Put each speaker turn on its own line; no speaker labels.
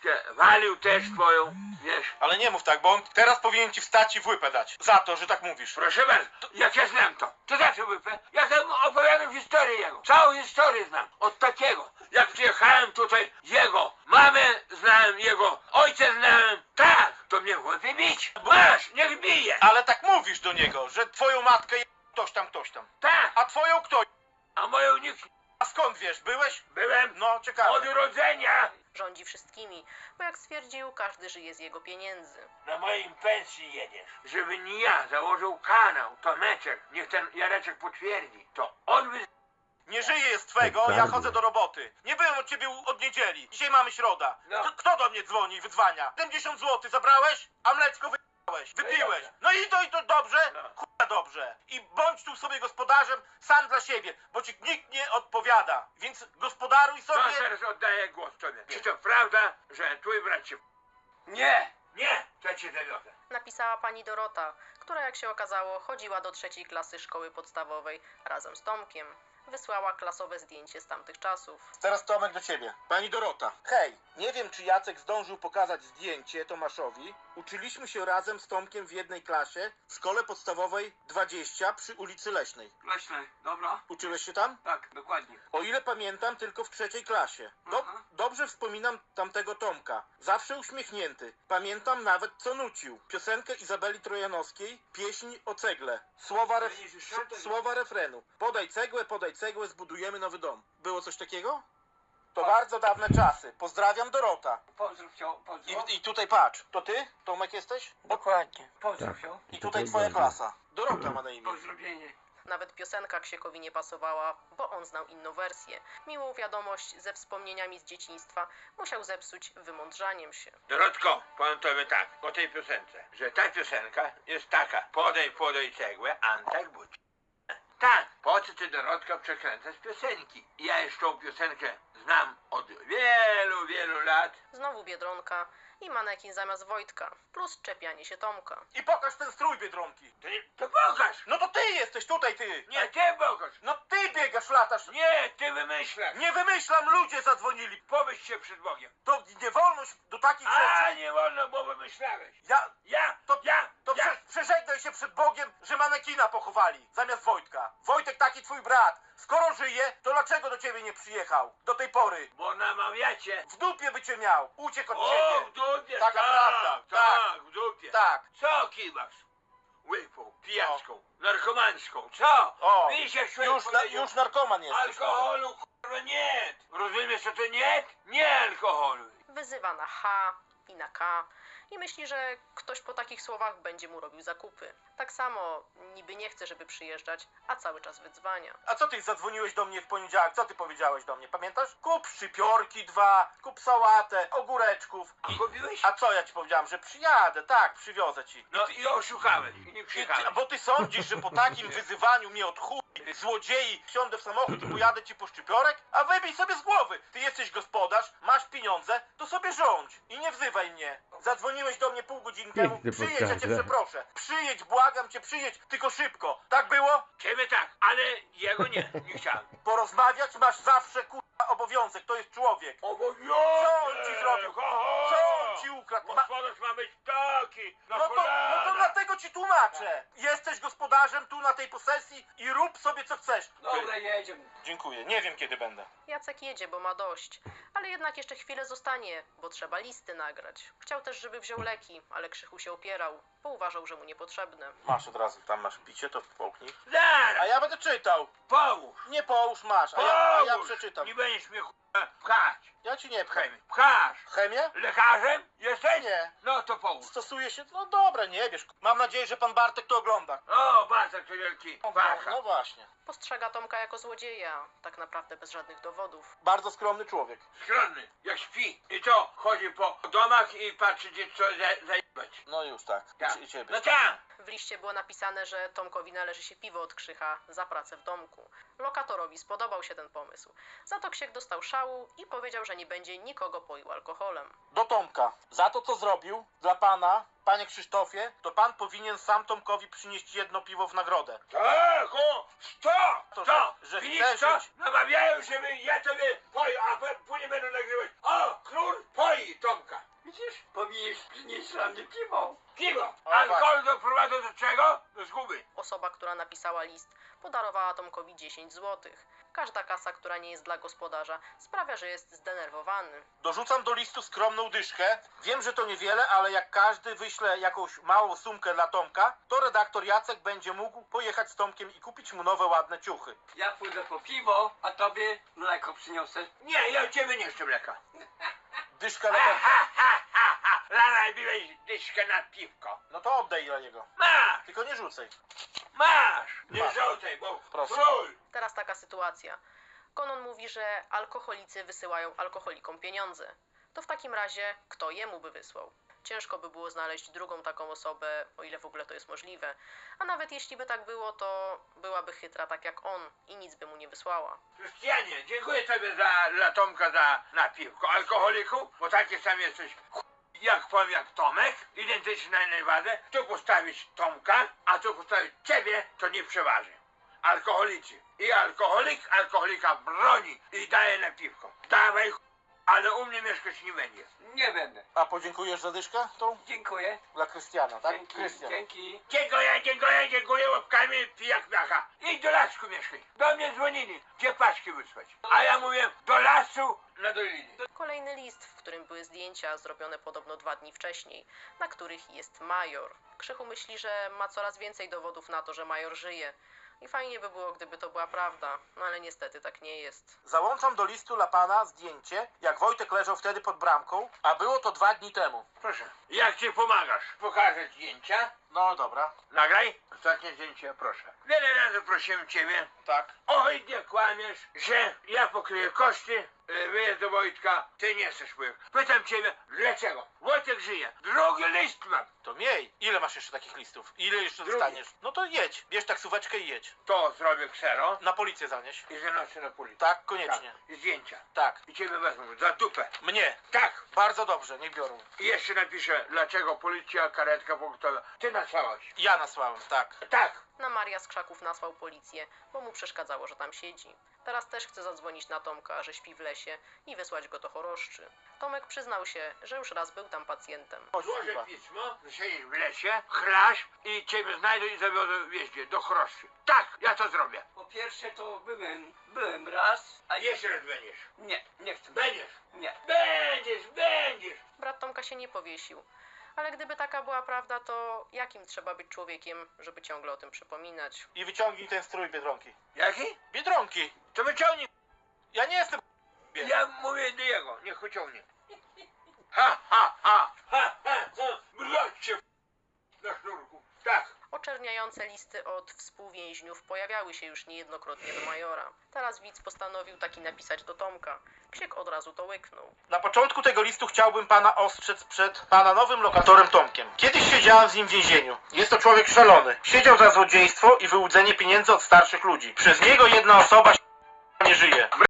walił też twoją, wiesz.
Ale nie mów tak, bo on teraz powinien ci wstać i w łypę dać. Za to, że tak mówisz.
Proszę bardzo, jak ja znam to za co wypę? Ja tam opowiadam historię jego, całą historię znam, od takiego. Jak przyjechałem tutaj, jego mamę znałem, jego ojca znałem, tak, to mnie chłopie bić. Masz, niech bije.
Ale tak mówisz do niego, że twoją matkę je ktoś tam, ktoś tam.
Tak,
A twoją kto?
a moją nikt.
A skąd wiesz? Byłeś?
Byłem
No, ciekawe.
od urodzenia.
Rządzi wszystkimi, bo jak stwierdził, każdy żyje z jego pieniędzy.
Na moim pensji jedziesz. Żeby nie ja założył kanał, Tomeczek, niech ten Jareczek potwierdzi, to on by...
Nie żyję jest twego, ja chodzę do roboty. Nie byłem od ciebie od niedzieli. Dzisiaj mamy środa.
No.
Kto do mnie dzwoni i wydzwania? 70 zł zabrałeś, a mleczko wypiłeś. No i to dobrze?
No.
Kurwa dobrze. I bądź tu sobie gospodarzem sam dla siebie, bo ci nikt nie odpowiada. Więc gospodaruj
No
sobie.
teraz oddaję głos tobie. Czy to prawda, że twój brat się... Nie, nie, to cię zawiodę.
Napisała pani Dorota, która jak się okazało chodziła do 3. klasy szkoły podstawowej razem z Tomkiem. Wysłała klasowe zdjęcie z tamtych czasów.
Teraz Tomek do ciebie. Pani Dorota. Hej, nie wiem czy Jacek zdążył pokazać zdjęcie Tomaszowi. Uczyliśmy się razem z Tomkiem w jednej klasie w szkole podstawowej 20 przy ulicy Leśnej.
Leśne, dobra?
Uczyłeś się tam?
Tak, dokładnie.
O ile pamiętam, tylko w 3. klasie.
Aha.
Dobrze wspominam tamtego Tomka. Zawsze uśmiechnięty. Pamiętam nawet co nucił. Piosenkę Izabeli Trojanowskiej, pieśń o cegle. Słowa refrenu. Podaj cegłę, zbudujemy nowy dom. Było coś takiego? To bardzo dawne czasy. Pozdrawiam Dorota.
Pozdrów się, pozdrów.
I tutaj patrz. To ty? Tomek jesteś?
Dokładnie. Pozdrów się.
I tutaj twoja klasa. Dorota ma na imię.
Pozdrowienie.
Nawet piosenka Ksiekowi nie pasowała, bo on znał inną wersję. Miłą wiadomość ze wspomnieniami z dzieciństwa musiał zepsuć wymądrzaniem się.
Dorotko, powiem tobie tak, o tej piosence, że ta piosenka jest taka. Podaj cegłę, Antek budź. Tak, po co ty, Dorotka, przekręcasz piosenki? Ja już tą piosenkę znam od wielu, wielu lat.
Znowu Biedronka i manekin zamiast Wojtka, plus czepianie się Tomka.
I pokaż ten strój Biedronki.
To pokaż!
No to ty jesteś tutaj, ty.
Nie, ty pokaż!
No ty biegasz, latasz.
Nie, ty wymyślasz!
Nie wymyślam, ludzie zadzwonili.
Pomyśl się przed Bogiem.
To nie wolno do takich
A,
rzeczy.
nie wolno, bo wymyślałeś.
Ja przeżegnaj się przed Bogiem, że manekina pochowali zamiast Wojtka. Wojtek taki twój brat. Skoro żyje, to dlaczego do ciebie nie przyjechał? Do tej pory.
Bo namawiacie.
W dupie by cię miał. Uciekł od
O,
ciebie.
w dupie,
Taka
tak,
prawda.
tak, w dupie.
Tak.
Co kiwasz? Łypą, pijaczką, narkomańską, co?
O,
Widzisz, jak człowiek powiedział,
już narkoman jesteś.
alkoholu, kurwa, nie. Rozumiesz, co to nie? Nie alkoholu.
Wyzywa na H i na K i myśli, że ktoś po takich słowach będzie mu robił zakupy. Tak samo niby nie chce, żeby przyjeżdżać, a cały czas wydzwania.
A co ty zadzwoniłeś do mnie w poniedziałek? Co ty powiedziałeś do mnie? Pamiętasz? Kup szczypiorki 2, kup sałatę, ogóreczków.
A kupiłeś?
A co ja ci powiedziałem? Że przyjadę, tak, przywiozę ci.
No i oszukałeś, i nie przyjechałeś.
Bo ty sądzisz, że po takim wyzywaniu mnie od chuj, złodziei, wsiądę w samochód i pojadę ci po szczypiorek? A wybij sobie z głowy. Ty jesteś gospodarz, masz pieniądze, to sobie rządź. I nie wzywaj mnie. Zadzwoniłeś do mnie pół godziny temu. Przyjedź, ja cię przeproszę. Przyjedź, błagam cię, przyjedź, tylko szybko. Tak było?
Ciebie tak, ale jego nie chciałem.
Porozmawiać masz zawsze, kurwa, obowiązek. To jest człowiek.
Co
Co on ci zrobił? Co on ci ukradł?
Gospodarz ma być taki, na
No to dlatego ci tłumaczę. Jesteś gospodarzem tu na tej posesji i rób sobie co chcesz.
Dobra, jedziemy.
Dziękuję. Nie wiem kiedy będę.
Jacek jedzie, bo ma dość, ale jednak jeszcze chwilę zostanie, bo trzeba listy nagrać. Chciał też, żeby wziął leki, ale Krzychu się opierał, bo uważał, że mu niepotrzebne.
Masz od razu, tam masz picie, to połknij.
Zaraz,
A ja będę czytał.
połóż.
Nie połóż masz, a ja
Połóż.
przeczytam.
Nie będziesz mnie pchać.
Ja ci nie pcham.
Pchasz.
Chemię?
Lekarzem jesteś?
Nie.
No to połóż.
Stosuje się, no dobra, nie wiesz. Mam nadzieję, że pan Bartek to ogląda.
O, Bartek to wielki pacha.
No właśnie.
Postrzega Tomka jako złodzieja, tak naprawdę bez żadnych dowodów.
Bardzo skromny człowiek.
Skromny, jak śpi. I to chodzi po domach i patrzy, gdzie co zajebać.
No już tak.
Tak.
I ciebie.
No tak.
W liście było napisane, że Tomkowi należy się piwo od Krzycha za pracę w domku. Lokatorowi spodobał się ten pomysł. Za to Ksiech dostał szału i powiedział, że nie będzie nikogo poił alkoholem.
Do Tomka. Za to, co zrobił dla pana, panie Krzysztofie, to pan powinien sam Tomkowi przynieść jedno piwo w nagrodę.
Tak, o,
To, że
Widzisz
chce
co?
żyć.
Namawiają, żeby ja tobie poił, a później będą nagrywać. O, król poi Tomka.
przynieść dla mnie piwo.
Piwo!
O,
Alkohol doprowadza do czego? Do zguby.
Osoba, która napisała list, podarowała Tomkowi 10 zł. Każda kasa, która nie jest dla gospodarza, sprawia, że jest zdenerwowany.
Dorzucam do listu skromną dyszkę. Wiem, że to niewiele, ale jak każdy wyśle jakąś małą sumkę dla Tomka, to redaktor Jacek będzie mógł pojechać z Tomkiem i kupić mu nowe, ładne ciuchy.
Ja pójdę po piwo, a tobie mleko przyniosę.
Nie, ja od ciebie nie chcę mleka.
Dyszka
Ha,
lepiej.
ha, ha, ha, ha. Narabiłeś dyszkę na piwko.
No to oddaj dla niego.
Masz,
Tylko nie rzucaj.
masz. Nie
Masz.
rzucaj, bo
Proszę.
król.
Teraz taka sytuacja. Konon mówi, że alkoholicy wysyłają alkoholikom pieniądze. To w takim razie kto jemu by wysłał? Ciężko by było znaleźć drugą taką osobę, o ile w ogóle to jest możliwe. A nawet jeśli by tak było, to byłaby chytra tak jak on i nic by mu nie wysłała.
Krystianie, dziękuję tobie dla Tomka za napiwko. Alkoholiku, bo taki sam jesteś jak powiem jak Tomek, identyczny na jednej wadze. Tu postawić Tomka, a tu postawić ciebie, to nie przeważy. Alkoholicy. I alkoholik alkoholika broni i daje na piwko. Dawaj, ale u mnie mieszkać nie będzie.
Nie będę.
A podziękujesz za dyszkę tą?
Dziękuję.
Dla Krystiana, tak?
Dzięki,
Krystian.
dzięki.
Dziękuję łapkami, pijak miacha. Idź do lasku mieszkaj. Do mnie dzwonili, gdzie paczki wysłać. A ja mówię, do lasu na dolinie.
Kolejny list, w którym były zdjęcia zrobione podobno 2 dni wcześniej, na których jest major. Krzychu myśli, że ma coraz więcej dowodów na to, że major żyje. I fajnie by było, gdyby to była prawda, no ale niestety tak nie jest.
Załączam do listu dla pana zdjęcie, jak Wojtek leżał wtedy pod bramką, a było to 2 dni temu.
Proszę. Jak ci pomagasz? Pokażę zdjęcia.
No dobra.
Nagraj. Ostatnie zdjęcie, proszę. Wiele razy prosiłem ciebie.
Tak.
Oj, nie kłamiesz, że ja pokryję koszty wyjazdu Wojtka. Ty nie chcesz pojechać. Pytam ciebie, dlaczego? Wojtek żyje. Drugi list mam.
To miej. Ile masz jeszcze takich listów? Ile jeszcze
Drugi.
dostaniesz? No to jedź. Bierz taksóweczkę i jedź.
To zrobię ksero
Na policję zanieś.
i zanoszę na policję.
Tak, koniecznie.
Tak. I zdjęcia.
Tak.
I ciebie wezmą za dupę.
Mnie.
Tak.
Bardzo dobrze, niech biorą.
I jeszcze napiszę, dlaczego policja, karetka pogotowa. Ty nasłałeś.
Ja nasłałem, tak.
Tak.
Na Maria z Krzaków nasłał policję, bo mu przeszkadzało, że tam siedzi. Teraz też chce zadzwonić na Tomka, że śpi w lesie i wysłać go do choroszczy. Tomek przyznał się, że już raz był tam pacjentem.
Chodź,
Złożę
chyba.
pismo, że siedzisz w lesie, chlasz i ciebie znajdę i zawiodę wjeździe do choroszczy. Tak, ja to zrobię.
Po pierwsze to byłem raz, a
A jeszcze raz będziesz.
nie chcę.
Będziesz.
Nie.
Będziesz.
Brat Tomka się nie powiesił. Ale gdyby taka była prawda, to jakim trzeba być człowiekiem, żeby ciągle o tym przypominać?
I wyciągnij ten strój Biedronki.
Jaki?
Biedronki!
To wyciągnij.
Ja nie jestem...
Ja mówię do jego, niech wyciągnie. Ha, ha, ha, ha, ha, ha. Mroczcie na sznurku. Tak.
Oczerniające listy od współwięźniów pojawiały się już niejednokrotnie do majora. Teraz widz postanowił taki napisać do Tomka. Ksiek od razu to łyknął.
Na początku tego listu chciałbym pana ostrzec przed pana nowym lokatorem Tomkiem. Kiedyś siedziałem z nim w więzieniu. Jest to człowiek szalony. Siedział za złodziejstwo i wyłudzenie pieniędzy od starszych ludzi. Przez niego jedna osoba nie żyje.